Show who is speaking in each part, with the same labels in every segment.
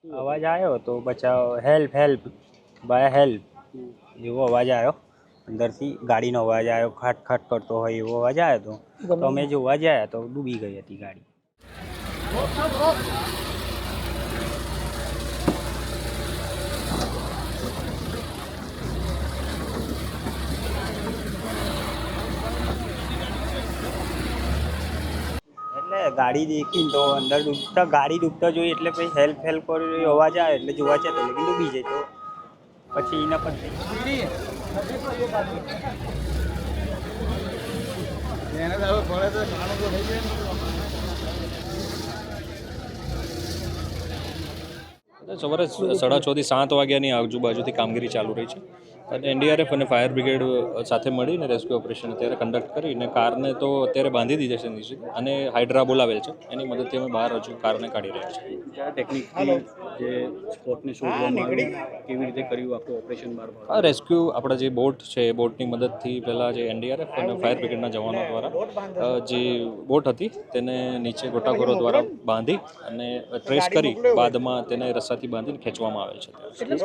Speaker 1: અવાજ આવ્યો તો બચાવ હેલ્પ હેલ્પ બાય હેલ્પ એવો અવાજ આવ્યો અંદરથી ગાડીનો અવાજ આવ્યો ખાટ ખાટ કરતો હોય એવો અવાજ આવ્યો તો અમે જોવા ગયા તો ડૂબી ગઈ હતી ગાડી. એટલે ગાડી દેખીને તો અંદર ડૂબતા ગાડી ડૂબતા જોઈ એટલે પછી હેલ્પ હેલ્પ કર્યો અવાજ આવે એટલે જોવા છે તો લેકિન ડૂબી જાય તો પછી એના પર
Speaker 2: સવારે 6:30 થી 7 વાગ્યાની આજુબાજુથી કામગીરી ચાલુ રહી છે અને એનડીઆરએફ અને ફાયર બ્રિગેડ સાથે મળીને રેસ્ક્યુ ઓપરેશન અત્યારે કન્ડક્ટ કરીને કારને તો અત્યારે બાંધી દીધી છે નીચે અને હાઇડ્રા બોલાવેલ છે એની મદદથી અમે બહાર હજુ કારને કાઢી રહ્યા છીએ.
Speaker 3: કયા ટેકનિકથી જે સ્પોટને શોધવામાં આવી કેવી રીતે કર્યું આખું ઓપરેશન બહાર?
Speaker 2: આ રેસ્ક્યુ આપણા જે બોટ છે એ બોટની મદદથી પહેલાં જે એનડીઆરએફ અને ફાયર બ્રિગેડના જવાનો દ્વારા જે બોટ હતી તેને નીચે ગોટાખોરો દ્વારા બાંધી અને ટ્રેસ કરી બાદમાં તેને રસ્સાથી બાંધીને ખેંચવામાં આવે છે.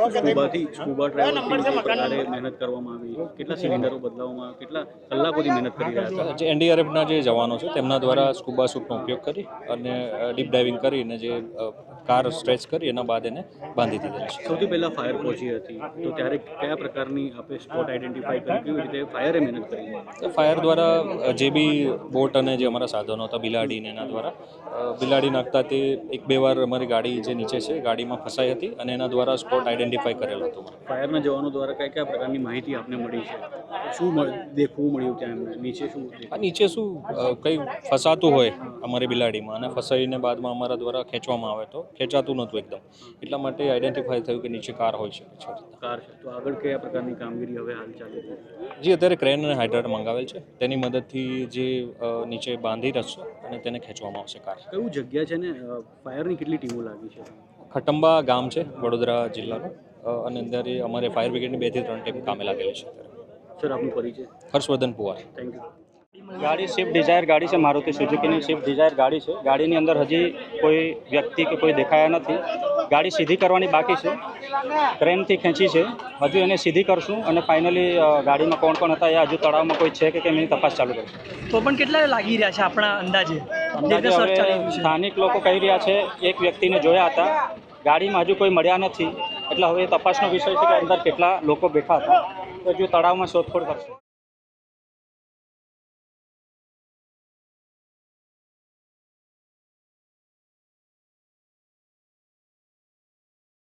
Speaker 3: સ્કૂબા ડ્રાઈવર મહેનત કરવામાં આવી, કેટલા સિલિન્ડરો બદલાવવામાં, કેટલા કલાકોથી મહેનત કરી રહ્યા હતા?
Speaker 2: જે એનડીઆરએફના જે જવાનો છે તેમના દ્વારા સ્કૂબા સૂટનો ઉપયોગ કરી અને ડીપ ડાઇવિંગ કરીને જે કાર સ્ટ્રેચ કરી એના બાદ એને બાંધી દીધેલ છે.
Speaker 3: સૌથી પહેલાં ફાયર પહોંચી હતી તો ત્યારે કયા પ્રકારની આપણે સ્પોટ આઈડેન્ટિફાઈ કરી, કેવી રીતે ફાયરે મહેનત કરી?
Speaker 2: ફાયર દ્વારા જે બી બોટ અને જે અમારા સાધનો હતા બિલાડીને એના દ્વારા બિલાડી નાખતા તે 1-2 વાર અમારી ગાડી જે નીચે છે ગાડીમાં ફસાઈ હતી અને એના દ્વારા સ્પોટ આઈડેન્ટિફાઈ કરેલો હતો.
Speaker 3: ફાયરના જવાનો દ્વારા કયા કયા પ્રકારની માહિતી આપને મળી છે? શું દેખવું મળ્યું ત્યાં એમને?
Speaker 2: નીચે શું કંઈ ફસાતું હોય અમારી બિલાડીમાં અને ફસાઈને બાદમાં અમારા દ્વારા ખેંચવામાં આવે તો ખેંચાતું નહોતું એકદમ, એટલા માટે આઈડેન્ટિફાઈ થયું કે નીચે કાર હોઈ શકે છે.
Speaker 3: કાર છે તો આગળ કયા પ્રકારની કામગીરી હવે હાલ ચાલે છે?
Speaker 2: જે અત્યારે ક્રેન અને હાઇડ્રા મંગાવેલ છે તેની મદદથી જે નીચે બાંધી રસ્સો અને તેને ખેંચવામાં આવશે કાર.
Speaker 3: કયું જગ્યા છે ને ફાયરની કેટલી ટીમો લાગી છે?
Speaker 2: ખટંબા ગામ છે વડોદરા જિલ્લાનું અને અંદર અમારે ફાયર બ્રિગેડની 2 થી 3 ટીમ કામે લાગેલી છે.
Speaker 3: સર આપનો પરિચય?
Speaker 2: હર્ષવર્ધન પુવાર.
Speaker 3: Thank you.
Speaker 1: ગાડી સ્વિફ્ટ ડિઝાયર ગાડી છે, મારુતિ સુઝુકીની સ્વિફ્ટ ડિઝાયર ગાડી છે. ગાડીની અંદર હજી કોઈ વ્યક્તિ કે કોઈ દેખાયા નથી. ગાડી સીધી કરવાની બાકી છે, ક્રેનથી ખેંચી છે, હજુ એને સીધી કરશું અને ફાઇનલી ગાડીમાં કોણ કોણ હતા એ હજુ તળાવમાં કોઈ છે કે કેમ એની તપાસ ચાલુ કરશું.
Speaker 4: તો પણ કેટલા લાગી રહ્યા છે આપણા અંદાજે?
Speaker 1: હવે સ્થાનિક લોકો કહી રહ્યા છે એક વ્યક્તિને જોયા હતા, ગાડીમાં હજુ કોઈ મળ્યા નથી, એટલે હવે તપાસનો વિષય છે કે અંદર કેટલા લોકો બેઠા હતા. તો હજુ તળાવમાં શોધખોળ કરશે.